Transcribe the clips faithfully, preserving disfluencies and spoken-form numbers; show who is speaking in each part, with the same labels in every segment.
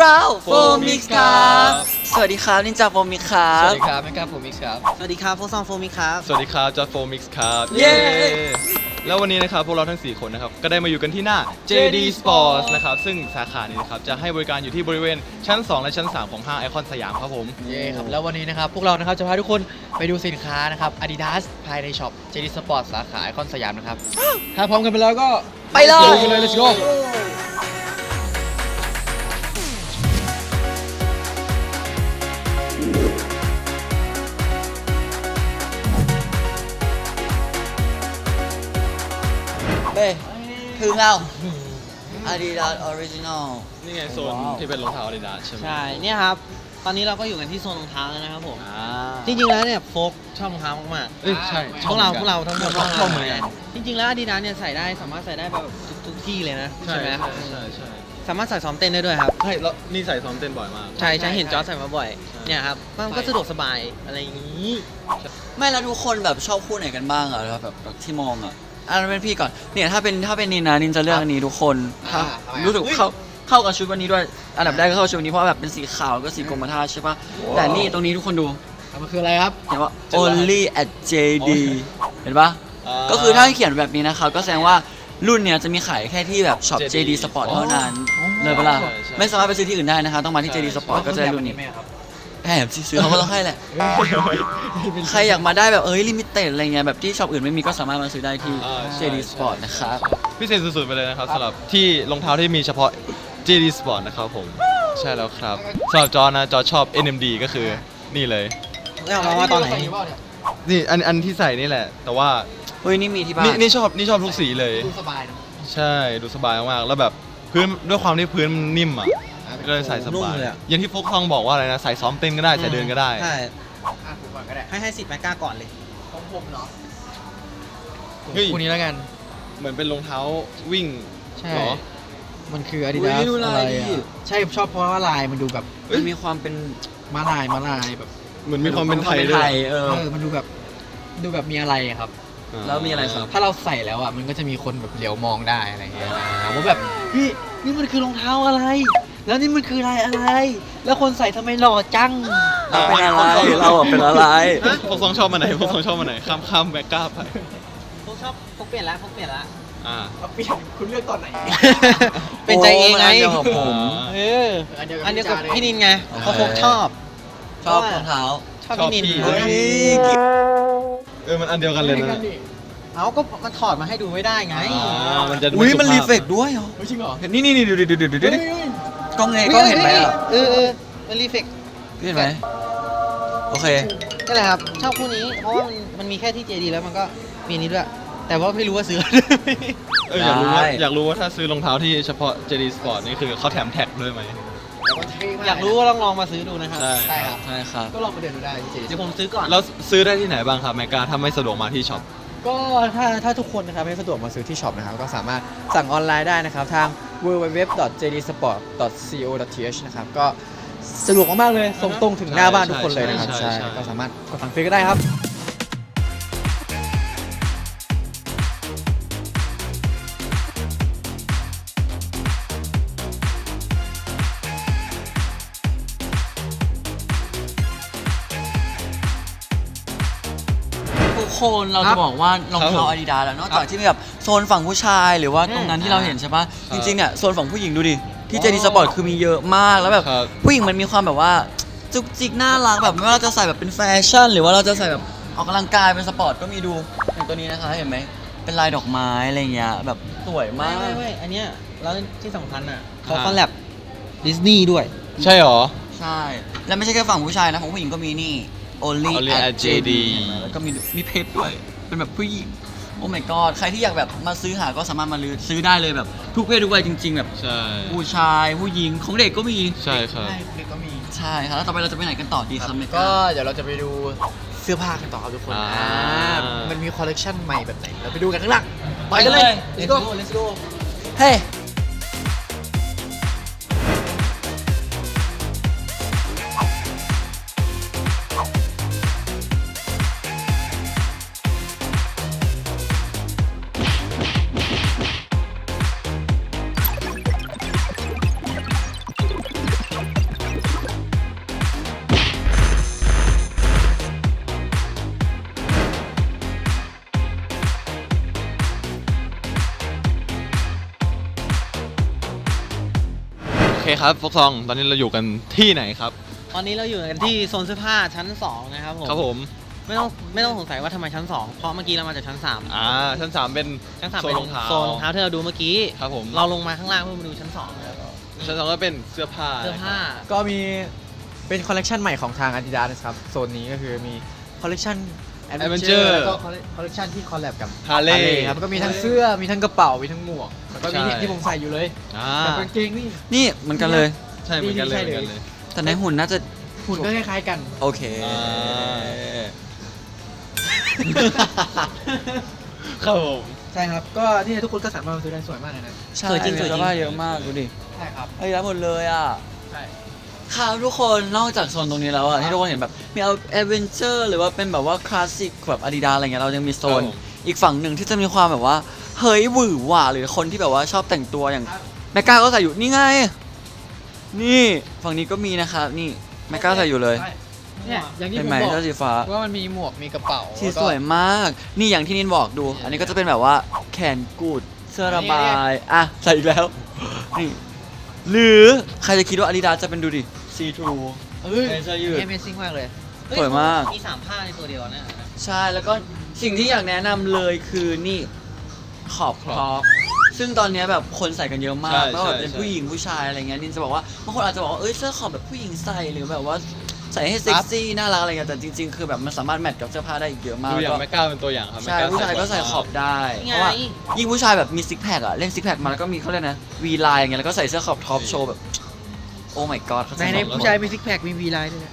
Speaker 1: าวโฟมิกส์ครับสวัสดีครับนินจาโฟมิกส์ครับ
Speaker 2: สวัสดีครับแมกกาโฟมิกส์ครับ
Speaker 3: สวัสดีครับพวกซองโฟมิกครับ
Speaker 4: สวัสดีครับจอร์จโฟมิกส์ครับ
Speaker 1: เย้
Speaker 4: แล้ววันนี้นะครับพวกเราทั้งสี่คนนะครับก็ได้มาอยู่กันที่หน้า เจ ดี Sports นะครับซึ่งสาขานี้นะครับจะให้บริการอยู่ที่บริเวณชั้นสองและชั้นสามของห้างไอคอนสยามครับผม
Speaker 2: เย้ครับแล้ววันนี้นะครับพวกเรานะครับจะพาทุกคนไปดูสินค้านะครับ Adidas ภายในช็อป เจ ดี Sport สาขาไอคอนสยามนะครับถ้าพร้อมกันไปแล้วก็
Speaker 1: ไปเลย
Speaker 2: ไปเลย let's go
Speaker 1: เฮ้ยถึงแล้ว Adidas Original
Speaker 4: นี่ไงโซนที่เป็นรองเท้า Adidas ใช่ไหม
Speaker 3: ใช่เนี่ยครับตอนนี้เราก็อยู่กันที่โซนรองเท้าแล้วนะครับผม
Speaker 4: อ่า
Speaker 3: จริงๆแล้วเนี่ยโฟกชอบรองเท้ามาก
Speaker 4: เอ้ยใช่
Speaker 3: ๆพวกเราพวกเราทั้งหมด
Speaker 4: ชอบชอบเหมือนกัน
Speaker 3: จริงๆแล้ว Adidas เนี่ยใส่ได้สามารถใส่ได้แบบทุกทุกที่เลยนะ
Speaker 4: ใช่
Speaker 3: ใช่ไหม
Speaker 4: ใช่ใช่ใช่
Speaker 3: สามารถใส่ซ้อมเต้นได้ด้วยครับ
Speaker 4: ใช่แล้วนี่ใส่ซ้อมเต้นบ่อยมาก
Speaker 3: ใช่ใช่เห็นจอร์จใส่มาบ่อย
Speaker 4: ใช่
Speaker 3: เนี่ยครับมันก็สะดวกสบายอะไรอย่างนี้
Speaker 1: ไม่แล้วทุกคนแบบชอบคู่ไหนกันบ้างอะแบบแบบที่มองอะอันนั้นเป็นพี่ก่อนเนี่ยถ้าเป็นถ้าเป็นนินนะนินจะเลือกอันนี้ทุกคนครับรู้สึกเข้าเข้ากับชุดวันนี้ด้วยอันดับแรกก็เข้าชุดวันนี้เพราะแบบเป็นสีขาวก็สีกรมท่าใช่ปะแต่นี่ตรงนี้ทุกคนดู
Speaker 2: มันคืออะไรครับ
Speaker 1: เห็นว่า only at เจ ดี เห็นปะก็คือถ้าเขียนแบบนี้นะครับก็แสดงว่ารุ่นเนี้ยจะมีขายแค่ที่แบบช็อป เจ ดี Sport เท่านั้นเลยเปะล่าไม่สามารถไปซื้อที่อื่นได้นะคะต้องมาที่ เจ ดี Sport ก็จะได้รุ่นนี้แอบซื้อเขาก็ต้องให้แหละใครอยากมาได้แบบเอ้ยลิมิเต็ดอะไรเงี้ยแบบที่ช็อปอื่นไม่มีก็สามารถมาซื้อได้ที่ เจ ดี Sport นะครับ
Speaker 4: พิเศษสุดๆไปเลยนะครับสำหรับที่รองเท้าที่มีเฉพาะ เจ ดี Sport นะครับผมใช่แล้วครับสำหรับจอร์จนะจอร์จชอบ เอ็น เอ็ม ดี ก็คือนี่เลย
Speaker 3: แล้วเอามาตอนไหน
Speaker 4: นี่อันอันที่ใส่นี่แหละ แต่ว่า
Speaker 1: เฮ้ยนี่มีที่บ้า
Speaker 4: นี่
Speaker 1: น
Speaker 4: นี่ชอบนี่ชอบทุกสีเลย
Speaker 2: ดูสบายนะ
Speaker 4: ใช่ดูสบายมากๆแล้วแบบพื้นด้วยความที่พื้นมันนิ่มอ่ะก็เลยใส่ส
Speaker 3: นุ่ม
Speaker 4: บาย
Speaker 3: เลยอะ
Speaker 4: อย่างที่โฟกทองบอกว่าอะไรนะใส่ซ้อมเต้นก็ได้ใส่เดินก็ได้
Speaker 3: ใช่
Speaker 2: อ่ะผมก่อนก็ได้
Speaker 3: ให้ให้สิทธิ์แมกกาก่อนเลย
Speaker 2: ของผมเนาะ
Speaker 4: เฮ้ย
Speaker 2: คู่นี้แล้วกัน
Speaker 4: เหมือนเป็นรองเท้าวิ่ง
Speaker 2: ใช่
Speaker 4: เหรอ
Speaker 2: มันคือ
Speaker 1: อุ๊
Speaker 2: Adidas
Speaker 1: ยดูลาย
Speaker 2: อะไร
Speaker 1: ดิ
Speaker 2: อ่ะใช่ชอบเพราะว่าลายมันดูแบบ
Speaker 1: มันมีความเป็น
Speaker 2: มาลายมาลายแบบ
Speaker 4: เหมือนมีความเป็นไทย
Speaker 1: เป็น
Speaker 4: ด้ว
Speaker 1: ไท
Speaker 4: ย
Speaker 1: ยเออ
Speaker 2: เออมันดูแบบดูแบบมีอะไรอะครับ
Speaker 1: แล้วมีอะไรครับ
Speaker 2: ถ้าเราใส่แล้วอ่ะมันก็จะมีคนแบบเหลียวมองได้อะไรอย่างเงี้ยว่าแบบพี่นี่มันคือรองเท้าอะไร แล้วนี่มันคือลายอะไร แล้วคนใส่ทำไมหล่อจัง
Speaker 1: เราเป็นอะไรเราอะเป็นอะไร
Speaker 4: พวกสองชอบมาไหนพวกสองชอบมาไหนข้ามข้ามแบ็กก้าไป
Speaker 3: พวกชอบพวกเปลี่ยนแล้วพวกเปลี่ยนแล้ว
Speaker 4: อ่า
Speaker 2: เปลี่ยนคุณเลือกตอนไหน
Speaker 3: เป็นใจเองไง
Speaker 1: โอ้มันอันเดียวกับผม
Speaker 3: เออ
Speaker 2: อันเดียวกับ
Speaker 3: อันเดียวกับ
Speaker 2: พี่
Speaker 3: พี่
Speaker 2: จาเลย
Speaker 3: นินไงเพราะพกชอบ
Speaker 1: ชอบรองเท้า
Speaker 3: ชอบพี่นิน
Speaker 4: ชอบพี่
Speaker 1: เฮ้ย
Speaker 4: เออมันอันเดียวกันเลยนะ
Speaker 3: เอาก็มันถอดมาให้ดูไม่ได้ไง
Speaker 4: อ่ามันจะ
Speaker 1: อุ้ยมัน
Speaker 4: สุภาพ
Speaker 1: รีเฟกด้วยเหรอ
Speaker 2: ไม่จริงเหรอ
Speaker 1: นี่นี่นี่ดูดิดูดิดูดิดูดิกล้องไงกล้องเห็นไหมอ่ะ
Speaker 3: เออเออมันรีเฟก
Speaker 1: เห็นไหมโอเค
Speaker 3: ก็แหละครับชอบคู่นี้ เพราะว่ามันมันมีแค่ที่เจดีแล้วมันก็มีอันนี้ด้วย แต่ว่าไม่รู้ว่าซื้อ
Speaker 4: เอออยากรู้ว่า
Speaker 1: ได้
Speaker 4: อยากรู้ว่าถ้าซื้อรองเท้าที่เฉพาะ เจ ดี Sport นี่คือเขาแถมแท็กด้วยไหม
Speaker 3: อยากรู้ก็ลองลองมาซื้อดูนะครับ
Speaker 4: ใช่
Speaker 2: ใช่ครับ
Speaker 1: ใช่ครับ
Speaker 2: ก็ลองมาเดินดูได้ที่เจ
Speaker 3: เดี๋ยวผมซื้อก่อน
Speaker 4: แล้วซื้อได้ที่ไหนบ้างครับแมกกาถ้าไม่สะดวกมาที่ช็อป
Speaker 2: ก็ถ้าถ้าทุกคนนะครับไม่สะดวกมาซื้อที่ช็อปนะครับก็สามารถสั่งออนไลน์ได้นะครับทาง ดับเบิลยู ดับเบิลยู ดับเบิลยู ดอท เจ ดี สปอร์ต ดอท ซี โอ ดอท ที เอช นะครับก็สะดวกมากๆเลยส่งตรงถึงหน้าบ้านทุกคนเลยนะครับ
Speaker 4: ใช่
Speaker 2: ใช่
Speaker 4: ใช่
Speaker 2: ก็สามารถกดสั่งซื้อก็ได้ครับ
Speaker 1: ทุกคนเรา
Speaker 2: ครั
Speaker 1: จะ
Speaker 2: บ
Speaker 1: บอกว่ารองเท้า Adidas แล้วนอกจากที่มีแบบโซนฝั่งผู้ชายหรือว่าตรงนั้นที่เราเห็นใช่ปะจริงๆเนี่ยโซนฝั่งผู้หญิงดูดิที่ เจ ดี Sport คือมีเยอะมากแล้วแบบ
Speaker 4: ครับ
Speaker 1: ผู้หญิงมันมีความแบบว่าจุกจิกน่ารักแบบไม่ว่าเราจะใส่แบบเป็นแฟชั่น หรือว่าเราจะใส่แบบออกกำลังกายเป็นสปอร์ตก็มีดูอย่างตัวนี้นะคะเห็นไหมเป็นลายดอกไม้อะไรเงี้ยแบบสวยมา
Speaker 3: ไม่
Speaker 1: ก
Speaker 3: ไม่ไม่อันเนี้ยแล้วที่สำคัญอ่ะเขาคอลแลบดิสนีย์ด้วย
Speaker 4: ใช่หรอ
Speaker 1: ใช่ แล้วไม่ใช่แค่ฝั่งผู้ชายนะของผู้หญิงก็มีนี่ only
Speaker 4: Only
Speaker 1: at
Speaker 4: at
Speaker 1: เจ
Speaker 4: เจ
Speaker 1: ดี
Speaker 4: ดี
Speaker 1: แล้วก็มีมีเพชรด้วยเป็นแบบผู้หญิงโอ้ my god ใครที่อยากแบบมาซื้อหาก็สามารถมาซื้อได้เลยแบบทุกเพศทุกวัยจริง ๆ แบบ
Speaker 4: ใช่
Speaker 1: ผู้ชายผู้หญิงของเด็กก็มี
Speaker 4: ใช่ครับ
Speaker 2: ใช่เด็กก็มี
Speaker 1: ใช่ครับแล้วต่อไปเราจะไปไหนกันต่อดีครับเม
Speaker 2: ก็
Speaker 1: ก้า
Speaker 2: เดี๋ยวเราจะไปดูเสื้อผ้ากันต่อครับทุกคน
Speaker 4: อ่า
Speaker 2: อ่ามันมีคอลเลกชันใหม่แบบไหนเราไปดูกันข้างหลัง
Speaker 1: ไปกันเลย
Speaker 2: let's go let's go
Speaker 1: เฮ้
Speaker 4: ครับฟกซองตอนนี้เราอยู่กันที่ไหนครับ
Speaker 3: ตอนนี้เราอยู่กันที่โซนเสื้อผ้าชั้นสองนะครับผม
Speaker 4: ครับผม
Speaker 3: ไม่ต้องไม่ต้องสงสัยว่าทำไมชั้นสองเพราะเมื่อกี้เรามาจากชั้นสาม
Speaker 4: อ่าชั้นสามเป็น
Speaker 3: ชั้นสาม
Speaker 4: โซ
Speaker 3: เป็น น
Speaker 4: รองเท้า
Speaker 3: โซนรองเท้าที่เราดูเมื่อกี้
Speaker 4: ครับผม
Speaker 3: เราลงมาข้างล่างเพื่อมาดูชั้นสองนะครับ
Speaker 4: ชั้นสองก็เป็นเสื้อผ้า
Speaker 3: เสื้อผ้า
Speaker 2: ก็มีเป็นคอลเลกชันใหม่ของทาง Adidas นะครับโซนนี้ก็คือมีคอลเลกชัน Adventure แล้วก็คอลเลกชันที่คอลแลบกับ
Speaker 4: ฮาร์เล
Speaker 2: Harley
Speaker 4: ย์
Speaker 2: ครับก็มีทั้งเสื้อมีทั้งกระเป๋ามีทั้งหมวกแล้วก็มี
Speaker 4: ใช่
Speaker 2: เนี่ยที่ผมใส่อยู่เลย
Speaker 4: อ่า
Speaker 2: กับกางเกงนี่
Speaker 1: นี่เหมือนกันเลย
Speaker 4: ใช่เหมือนกันเลย
Speaker 2: ใช่
Speaker 4: เหมือน
Speaker 2: เลย
Speaker 4: กันเลย
Speaker 1: แต่ในหุ่นน่าจะ
Speaker 2: หุ่นก็คล้ายๆกัน
Speaker 1: โอเค
Speaker 4: อ่า ครับผม
Speaker 2: ใช่ครับก็ที่ทุกคนก็สามารถมาซื้อได้สวยมากเลยนะ
Speaker 1: ใช่
Speaker 3: สวยจริงสวยจริง
Speaker 1: เสื้อผ้าเยอะมากดูดิ
Speaker 2: ใช่ครับ
Speaker 1: ไอ้ยรับหมดเลยอ่ะ
Speaker 2: ใช่
Speaker 1: ครับทุกคนนอกจากโซนตรงนี้แล้วอ่ะที่ทุกคนเห็นแบบมีเอาแอดเวนเจอร์หรือว่าเป็นแบบว่าคลาสสิกแบบอาดิดาอะไรเงี้ยเรายังมีโซน
Speaker 4: ครับผม
Speaker 1: อีกฝั่งหนึ่งที่จะมีความแบบว่าเฮ้ยหวือหวาหรือคนที่แบบว่าชอบแต่งตัวอย่างแมกกาก็ใส่อยู่นี่ไง นี่ฝั่งนี้ก็มีนะครับนี่แมกกาใส่อยู่เลย
Speaker 2: เนี่ยอย่างที่
Speaker 1: เป็
Speaker 2: ผ
Speaker 1: น
Speaker 2: ม
Speaker 1: ไหม
Speaker 2: บอก
Speaker 1: เสื้อสีฟ้า
Speaker 2: ว่ามันมีหมวกมีกระเป๋า
Speaker 1: ที่สวยมาก นี่อย่างที่นินบอกดู อันนี้ก็จะเป็นแบบว่าแขนกูดเสื้อระบายอ่ะใส่อีกแล้วนี่หรือใครจะคิดว่าอาดิดาจะเป็นดูดิซีทรู
Speaker 2: เอ้ย
Speaker 1: เสื้อยืด
Speaker 3: Amazing มากเลย
Speaker 1: สวยมาก
Speaker 3: มีสามผ้าในตัวเดียวนะ
Speaker 1: ใช่แล้วก็สิ่งที่อยากแนะนำเลยคือนี่ขอบครอปซึ่งตอนเนี้ยแบบคนใส่กันเยอะมา
Speaker 4: ใช่
Speaker 1: กไม่ว่าแบบเป็น
Speaker 4: ใช่
Speaker 1: ผู้หญิงผู้ชายอะไรเงี้ยนินจะบอกว่าบางคนอาจจะบอกว่าเอ้ยเสื้อขอบแบบผู้หญิงใส่หรือแบบว่าใส่ให้เซ็กซี่น่ารักอะไรเงี้ยแต่จริงๆคือแบบมันสามารถแมทกับเสื้อผ้าได้อีกเยอะมาก
Speaker 4: ดูอย่าง
Speaker 1: ก็
Speaker 4: แมกกาเป็นตัวอย่างครับ
Speaker 1: ใช่
Speaker 4: แมกก
Speaker 1: ผู้ชายก็ใส่ขอบได้
Speaker 3: นี่ไง
Speaker 1: เพราะว่ายิ่งผู้ชายแบบมีซิกแพคอะเล่นซิกแพคมาแล้วก็มีเขาเรียกนะวีไลน์อย่างเงี้ยแล้วก็ใส่เสื้อขอบท็อปโชว์แบบโอ้ my god เขา
Speaker 3: ใน
Speaker 1: ใส่
Speaker 3: ใน
Speaker 1: ขอบ
Speaker 3: ผู้ชายมีซิกแพคมีวีไลน์ด้วยนะ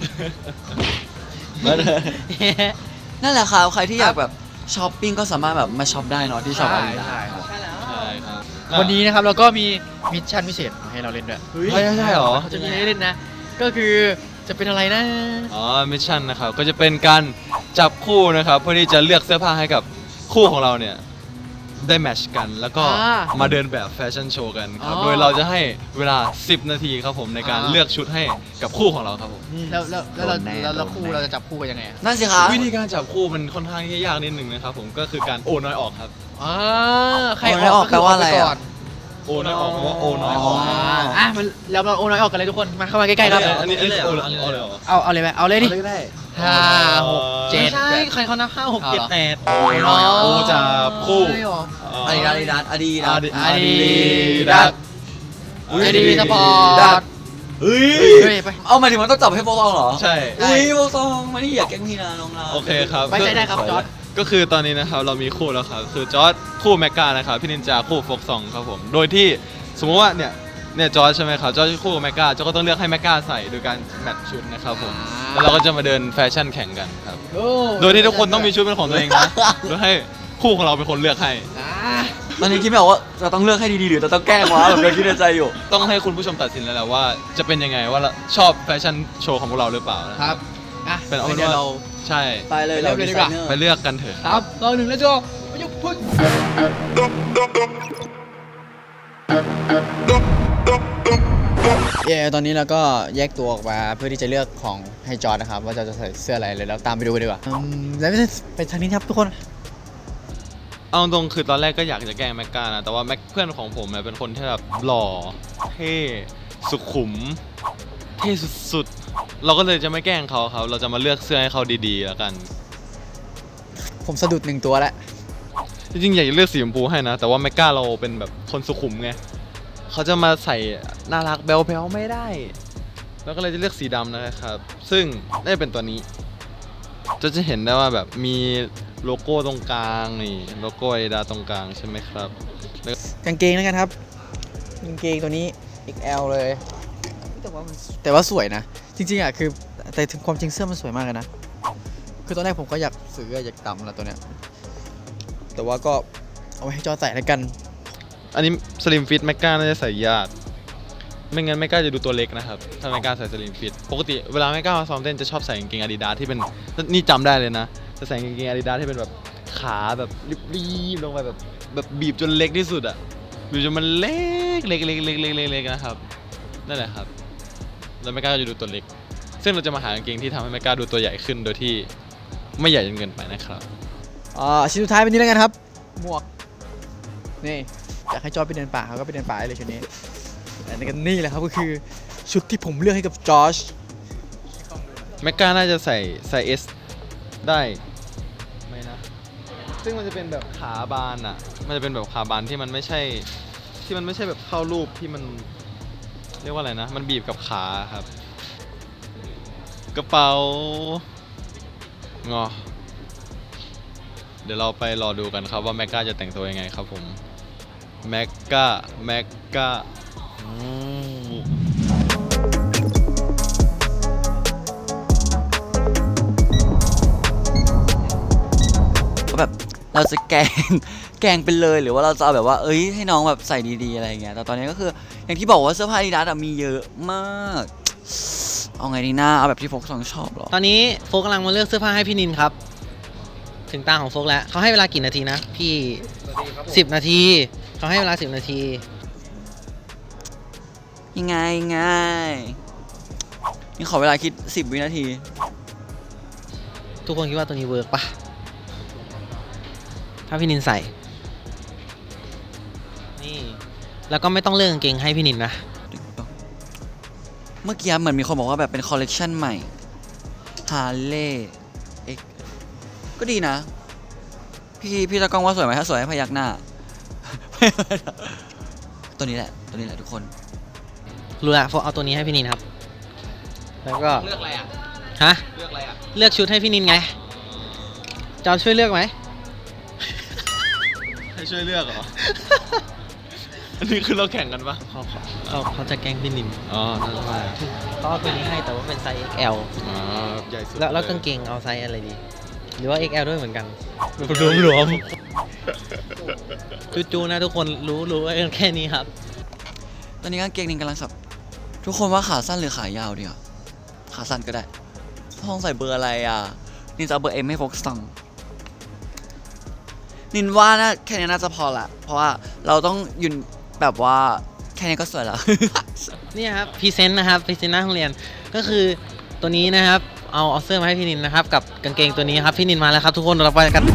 Speaker 1: นั่นแหละครับใครที่อยากแบบช้อปปิ้งก็สามารถแบบมาช็อปได้เนาะที่ช็อปอาดิดา
Speaker 2: ใช่ครับ
Speaker 3: ใช่แล้ว
Speaker 4: ใช่ครับ
Speaker 2: วันนี้นะครับเราก็มีมิชชั่นพิเศษมาให้เราเล่นด้วย
Speaker 4: ใช่ใช่เหรอ
Speaker 2: เขาจะมีให้เล่นนะ ก็คือจะเป็นอะไรนะ
Speaker 4: อ๋อมิชชั่นนะครับก็จะเป็นการจับคู่นะครับเพื่อที่จะเลือกเสื้อผ้าให้กับคู่ของเราเนี่ยได้แมทช์กันแล้วก็
Speaker 2: อ่า
Speaker 4: มาเดินแบบแฟชั่นโชว์กันครับ
Speaker 2: อ๋อ
Speaker 4: โดยเราจะให้เวลาสิบนาทีครับผมในการ
Speaker 2: อ่า
Speaker 4: เลือกชุดให้กับคู่ของเราครับผม
Speaker 2: แล้วแล้วแล้วเรา
Speaker 1: โดนแน่
Speaker 2: แล้วเรา
Speaker 1: โดน
Speaker 2: คู่
Speaker 1: แน่
Speaker 2: เราจะจับคู่กันยังไงอะ
Speaker 1: นั่นสิครับ
Speaker 4: วิธีการจับคู่มันค่อนข้างที่จะยากนิดนึงนะครับผมก็คือการโอน้อยออกครับ
Speaker 2: อ่าใคร
Speaker 1: โอนน้อยออก
Speaker 2: คื
Speaker 1: แปลว่าอะไรอะ
Speaker 2: เาปก่น
Speaker 4: โอน้อยออกเพราะว่าโอน้อยออก
Speaker 2: อ่าอ่ะมันเรามาโอนน้อยออกกันเลยทุกคนมาเข้ามาใกล้ๆครับ
Speaker 4: อันนี้อันนี้โอเลยโอเลยเหรอ
Speaker 2: เอาเอาเลยไหมเอาเลยดิ
Speaker 1: ก็ได้
Speaker 2: ห้าหกเจ็ด
Speaker 3: ไม่ใช่ใครเขานับห้าหกเจ็ดแปด
Speaker 2: โอ้ยน้อย
Speaker 4: โอจับคู่
Speaker 2: ไม่หรอ
Speaker 1: อาดิดาอาดิดาอาดิดา
Speaker 4: อาดิ
Speaker 2: อาดิ
Speaker 4: ดา
Speaker 2: ดา
Speaker 4: ส
Speaker 2: เจดีสปอร์ต
Speaker 1: เฮ้ย
Speaker 2: เฮ้ยไป
Speaker 1: เอาหมายถึงมันต้องจับให้โฟซองเหรอ
Speaker 4: ใช่
Speaker 1: อุ้ยโฟซองมานี่อยากแกล้งพี่นะน้องเรา
Speaker 4: โอเคครับ
Speaker 2: ไว้ใจได้ครับจอร์จ
Speaker 4: ก็คือตอนนี้นะครับเรามีคู่แล้วครับคือจอร์ดคู่แมกกานะครับพี่นินจาคู่ฟกซองครับผมโดยที่สมมติว่าเนี่ยเนี่ยจอร์ดใช่ไหมครับจอร์ดคู่กับแมกกาจอร์ดก็ต้องเลือกให้แมกกาใส่โดยการแมทช์ชุดนะครับผมแล้วเราก็จะมาเดินแฟชั่นแข่งกันครับโดยที่ทุกคนต้องมีชุดเป็นของตัวเองนะโดยให้คู่ของเราเป็นคนเลือกให้
Speaker 2: อ่า
Speaker 1: ตอนนี้คิดไม่ออกว่าจะต้องเลือกให้ดีๆหรือจะต้องแกล้งวะแบบเดินคิดในใจอยู่
Speaker 4: ต้องให้คุณผู้ชมตัดสินแล้วแหละว่าจะเป็นยังไงว่าเราชอบแฟชั่นโชว์ของพวกเราหรือเปล่านะครับ
Speaker 2: อ่ะ
Speaker 4: เป็นเอาเป็น
Speaker 2: ดี๋ยว
Speaker 4: ว่า
Speaker 2: เรา
Speaker 4: ใช่
Speaker 1: ไปเลย
Speaker 2: ไปเริ่มเลยดีกว่า
Speaker 4: ไปเลือกกันเถอะ
Speaker 2: สามสองหนึ่งแล้วจบไปยุบพุ่งเย้ตอนนี้เราก็แยกตัวออกมาเพื่อที่จะเลือกของให้จอร์ดนะครับ ว่าจะจะใส่เสื้ออะไรเลยแล้วตามไปดูกันดีกว่าอืมแล้วไปทางนี้ครับทุกคน
Speaker 4: เอาตรงๆคือตอนแรกก็อยากจะแกล้งแมกกานะแต่ว่าแม็กเพื่อนของผมเนี่ยเป็นคนที่แบบหล่อเท่สุขุมเท่สุดๆเราก็เลยจะไม่แกล้งเขาครับเราจะมาเลือกเสื้อให้เขาดีๆแล้วกัน
Speaker 2: ผมสะดุดหนึ่งตัวแล้ว
Speaker 4: จริงๆอยากจะเลือกสีชมพูให้นะ แต่ว่าแมกกาเราเป็นแบบคนสุขุมไงเขาจะมาใส่น่ารักแบลๆไม่ได้ แล้วก็เลยจะเลือกสีดำนะครับ ซึ่งได้เป็นตัวนี้จะจะเห็นได้ว่าแบบมีโลโก้ตรงกลางนี่โลโก้ไอดาตรงกลางใช่ไหมครับ
Speaker 2: กางเกงแล้วกันครับกางเกงตัวนี้ เอ็กซ์ แอล เลย แต่ว่ามันแต่ว่าสวยนะ จริงๆอ่ะคือแต่ถึงความจริงเสื้อมันสวยมากเลยนะ คือตอนแรกผมก็อยากซื้ออยากตำแล้วตัวเนี้ยแต่ว่าก็เอาไว้ให้จอใส่แล้วกัน
Speaker 4: อันนี้สลิมฟิตแมกกาน่าจะใส่ยากไม่งั้นแมกกาจะดูตัวเล็กนะครับถ้าแมกกาใส่สลิมฟิตปกติเวลาแมกกามาซ้อมเต้นจะชอบใส่กางเกงอาดิดาสที่เป็นนี่จำได้เลยนะจะใส่กางเกงอาดิดาสที่เป็นแบบขาแบบรีบๆลงไปแบบแบบบีบจนเล็กที่สุดอะบีบจนมันเล็กเล็กเล็กเล็กเล็กเล็กเล็กนะครับนั่นแหละครับแล้วแมกกาก็จะดูตัวเล็ก ซึ่งเราจะมาหากางเกงที่ทำให้แมกกาดูตัวใหญ่ขึ้นโดยที่ไม่ใหญ่จนเกินไปนะครับ
Speaker 2: อ่าชิ้นสุดท้ายเป็นนี้แล้วกันครับ หมวก นี่อยากให้จอร์ดไปเดินป่าเขาก็ไปเดินป่าได้เลยชุดนี้ เอและนี่แหละครับก็คือชุดที่ผมเลือกให้กับจอร์จ
Speaker 4: แมกกาน่าจะใส่ไซส์ S ได้ไหมนะ ซึ่งมันจะเป็นแบบขาบานอ่ะ มันจะเป็นแบบขาบานที่มันไม่ใช่ ที่มันไม่ใช่แบบเข้ารูปที่มันเรียกว่าอะไรนะ มันบีบกับขาครับ กระเป๋างอ เดี๋ยวเราไปรอดูกันครับว่าแมกกาจะแต่งตัวยังไงครับผมแมกกาแมกกา
Speaker 1: ก็แบบเราจะแกล้ง แกล้งไปเลยหรือว่าเราจะเอาแบบว่าเอ้ยให้น้องแบบใส่ดีๆอะไรอย่างเงี้ยแต่ตอนนี้ก็คืออย่างที่บอกว่าเสื้อผ้าอาดิดาสมีเยอะมากเอาไงดีหน้าเอาแบบที่โฟกสองชอบหรอ
Speaker 3: ตอนนี้โฟกกำลังมาเลือกเสื้อผ้าให้พี่นินครับ ถึงตาของโฟกแล้วเขาให้เวลากี่นาทีนะพี่สิบนาทีเขาให้เวลาสิบนาที
Speaker 1: ยังไงง่ายนี่ขอเวลาคิดสิบวินาที
Speaker 3: ทุกคนคิดว่าตัวนี้เวิร์กปะถ้าพี่นินใส่ นี่แล้วก็ไม่ต้องเลือกกางเกงให้พี่นินนะ
Speaker 1: เมื่อกี้เหมือนมีคนบอกว่าแบบเป็นคอลเลกชันใหม่ฮาร์เลย์เอ็กก็ดีนะ พี่พี่ตะกล้องว่าสวยไหมถ้าสวยให้พยักหน้า ตัวนี้แหละ ตัวนี้แหละทุกคน
Speaker 3: รู้ละโฟกเอาตัวนี้ให้พี่นินครับ แล้วก็
Speaker 4: เลือกอะไรอ่ะ
Speaker 3: ฮะ
Speaker 4: เลือกอะไรอ่ะ
Speaker 3: เลือกชุดให้พี่นินไงจอร์จช่วยเลือกไหม
Speaker 4: ให้ช่วยเลือกเหรอ อันนี้คือเราแข่งกันปะ
Speaker 3: เขาเขาเขาจะแกล้งพี่นิน
Speaker 4: อ๋อนั่นใช่
Speaker 3: เขาเอาตัวนี้ให้แต่ว่าเป็นไซส์ เอ็กซ์ แอล
Speaker 4: อ๋อใหญ่สุด
Speaker 3: แล้วแล้ว
Speaker 4: ย
Speaker 3: กางเกงเอาไซส์อะไรดี หรือว่า เอ็กซ์ แอล ด้วยเหมือนกันรวมๆจูๆนะทุกคนรู้รู้ไว้กันแค่นี้ครับ
Speaker 1: ตอนนี้กางเกงนินกำลังสับ ทุกคนว่าขาสั้นหรือขายาวดีอ่ะขาสั้นก็ได้พ้องใส่เบอร์อะไรอ่ะ นินจะเอาเบอร์เอ็มให้โฟกซังนินว่านะแค่นี้น่าจะพอละ เพราะว่าเราต้องยืนแบบว่าแค่นี้ก็สวยแล้ว
Speaker 3: เนี่ยครับพรีเซนต์นะครับพรีเซนต์หน้าโรงเรียนก็คือตัวนี้นะครับเอาเอาเสื้อมาให้พี่นินนะครับกับกางเกงตัวนี้ครับพี่นินมาแล้วครับทุกคนเราไปกัน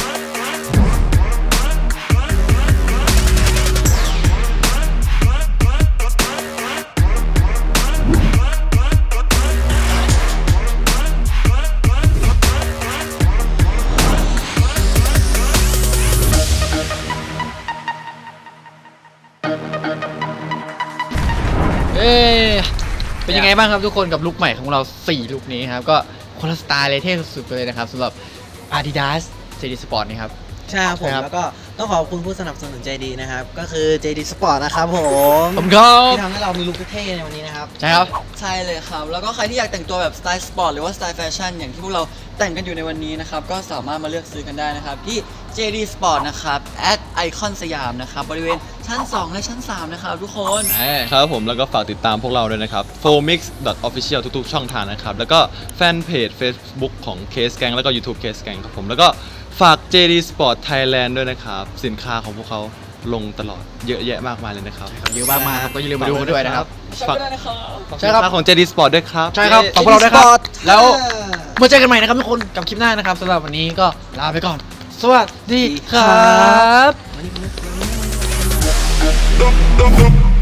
Speaker 2: เอ๊ะเป็นยังไงบ้างครับทุกคนกับลุคใหม่ของเราสี่ลุคนี้ครับก็คนละสไตล์เลยเท่สุดๆไปเลยนะครับสำหรับ Adidas เจ ดี Sport นี่ครับ
Speaker 3: ใช่ครับผม
Speaker 2: ครับ
Speaker 3: แล้วก็ต้องขอบคุณผู้สนับสนุนใจดีนะครับก็คือ เจ ดี Sport นะครับผม
Speaker 2: ผมก็
Speaker 3: ที่ทำให้เรามีลุคเท่ๆในวันนี้นะครับ
Speaker 2: ใช่ครับ
Speaker 1: ใช่เลยครับ แล้วก็ใครที่อยากแต่งตัวแบบสไตล์สปอร์ตหรือว่าสไตล์แฟชั่นอย่างที่พวกเราแต่งกันอยู่ในวันนี้นะครับ ก็สามารถมาเลือกซื้อกันได้นะครับ ที่ เจ ดี Sport นะครับ at Icon สยามนะครับ บริเวณชั้น สอง และชั้น สาม นะครับทุกคน
Speaker 4: ครับผมแล้วก็ฝากติดตามพวกเราด้วยนะครับ โฟมิกซ์ ดอท ออฟฟิเชียล ทุกๆ ช่องทางนะครับ แล้วก็แฟนเพจ Facebook ของ Case Gang แล้วก็ YouTube Case Gang ครับผม แล้วก็ฝาก เจ ดี Sport Thailand ด้วยนะครับ สินค้าของพวกเขาลงตลอดเยอะแยะมากมายเลยนะครับ
Speaker 2: เยอะมากๆครับก็อย่าลืมมาดูกันด้วยนะครับ
Speaker 4: ฝาก
Speaker 2: ใช่ครับ
Speaker 4: สินค้าของ เจ ดี Sport ด้วยครับ
Speaker 2: ใช่ครับขอบพวกเราด้วยครับ แล้วมาเจอกันใหม่นะครับทุกคนกับคลิปหน้านะครับสำหรับวันนี้ก็ลาไปก่อน สวัสดีครับ
Speaker 5: Dum dum dum